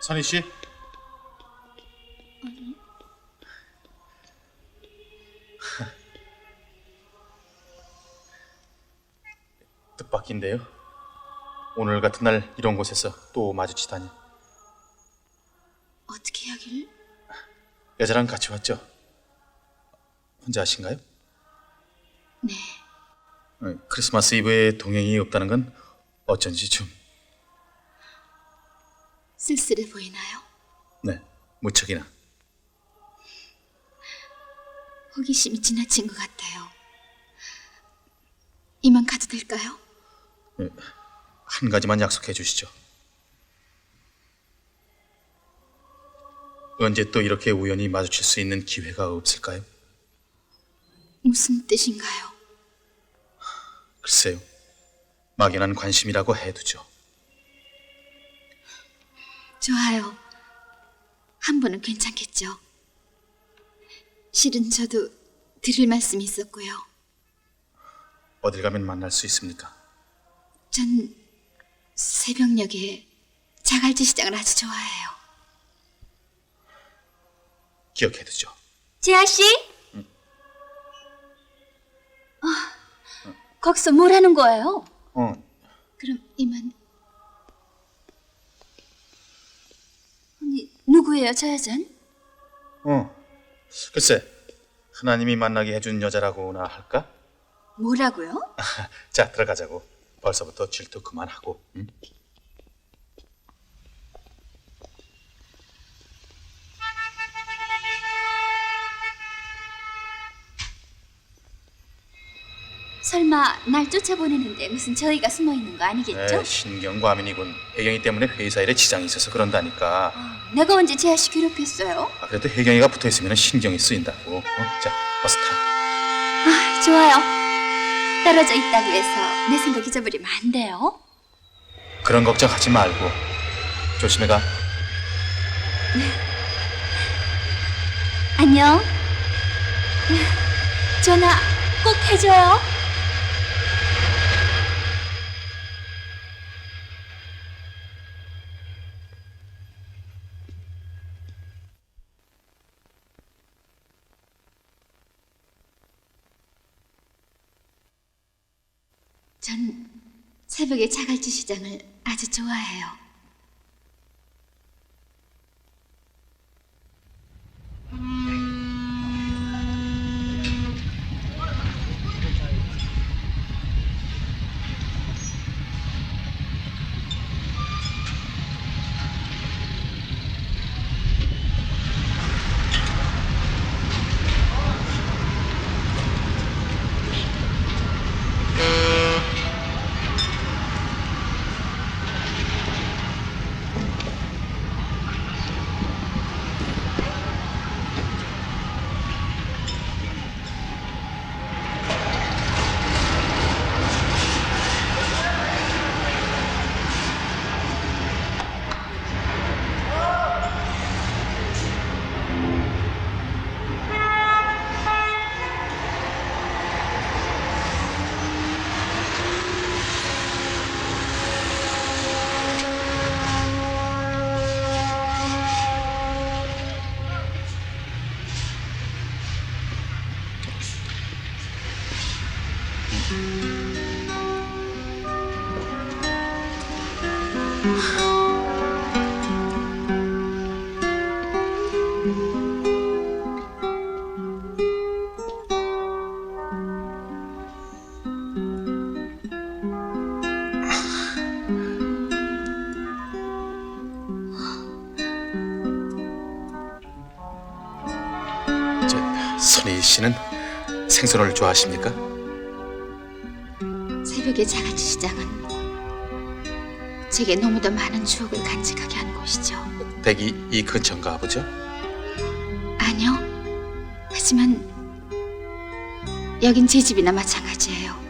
선희 씨? 아니. 뜻밖인데요. 오늘 같은 날 이런 곳에서 또 마주치다니. 어떻게 하길? 여자랑 같이 왔죠? 혼자 하신가요? 네. 크리스마스 이브에 동행이 없다는 건 어쩐지 좀... 쓸쓸해 보이나요? 네, 무척이나. 호기심이 지나친 것 같아요. 이만 가도 될까요? 한 가지만 약속해 주시죠. 언제 또 이렇게 우연히 마주칠 수 있는 기회가 없을까요? 무슨 뜻인가요? 글쎄요. 막연한 관심이라고 해두죠. 좋아요. 한 번은 괜찮겠죠. 실은 저도 드릴 말씀이 있었고요. 어딜 가면 만날 수 있습니까? 전 새벽녘에 자갈치 시장을 아주 좋아해요. 기억해두죠. 재하 씨? 거기서 뭘 하는 거예요? 그럼 이만. 아니, 누구예요, 저 여잔? 글쎄, 하나님이 만나게 해준 여자라고나 할까? 뭐라고요? 자, 들어가자고. 벌써부터 질투 그만하고. 응? 설마 날 쫓아보내는데 무슨 저희가 숨어있는 거 아니겠죠? 신경과민이군. 혜경이 때문에 회사 일에 지장이 있어서 그런다니까. 내가 언제 재하 씨 괴롭혔어요? 그래도 혜경이가 붙어있으면 신경이 쓰인다고. 자, 어서 타. 좋아요. 떨어져 있다고 해서 내 생각 잊어버리면 안 돼요. 그런 걱정하지 말고 조심해 가. 안녕. 전화 꼭 해줘요. 전 새벽에 자갈치 시장을 아주 좋아해요. 선희 씨는 생선을 좋아하십니까? 새벽의 자갈치 시장은 제게 너무도 많은 추억을 간직하게 한 곳이죠. 댁이 이 근처인가 보죠? 아니요. 하지만 여긴 제 집이나 마찬가지예요.